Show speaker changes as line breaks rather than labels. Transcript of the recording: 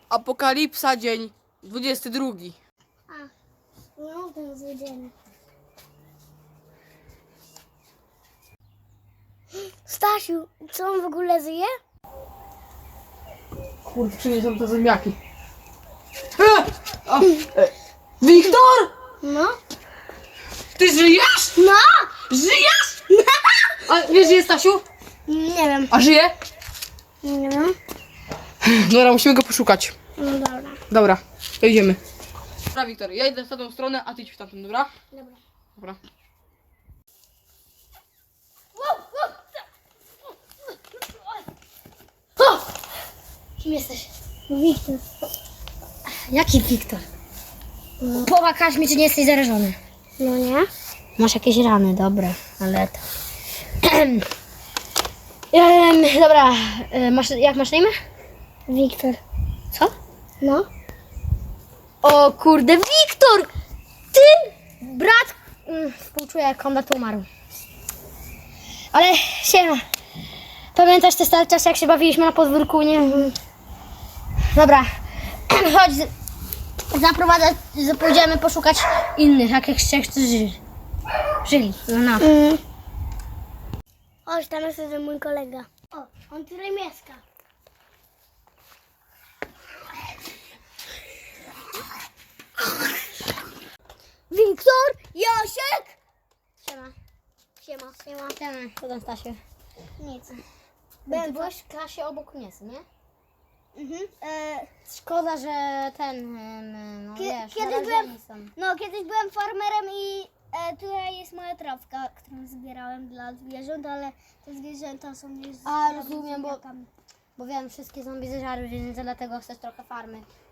Apokalipsa, dzień 22.
No, ten zły dzień. Stasiu, co on w ogóle żyje?
Kurde, przyniosą te zębiaki. Wiktor!
No.
Ty żyjesz?
No!
Żyjesz? A wiesz, gdzie jest Stasiu?
Nie wiem.
A żyje?
Nie wiem.
Dobra, musimy go poszukać.
No dobra.
Dobra, to idziemy. Dobra, Wiktor, ja idę w tamtą stronę, a ty idź w tamtą, dobra?
Dobra.
Dobra.
Kim jesteś? Wiktor. Jaki Wiktor? Pomagasz mi, czy nie jesteś zarażony? No nie. Masz jakieś rany, dobre, ale to... Dobra, jak masz na imię? Wiktor. Co? No. O kurde, Wiktor! Ty, brat... Współczuję, jak Konrad umarł. Ale siema. Pamiętasz te stare czasy, jak się bawiliśmy na podwórku, nie? Dobra, chodź, zaprowadzę, pójdziemy poszukać innych, jak jeszcze żyli. No. Chodź, tam jest ten mój kolega. O, on tutaj mieszka. Wiktor, Jasiek! Siema. Co tam, Stasiu? Nic. Byłeś w klasie obok mnie, nie? Mhm. Szkoda, że no wiesz, kiedyś byłem farmerem i tutaj jest moja trawka, którą zbierałem dla zwierząt, ale te zwierzęta są już... A, rozumiem, bo wiem, wszystkie zombie zeżarły, więc dlatego chcesz trochę farmy.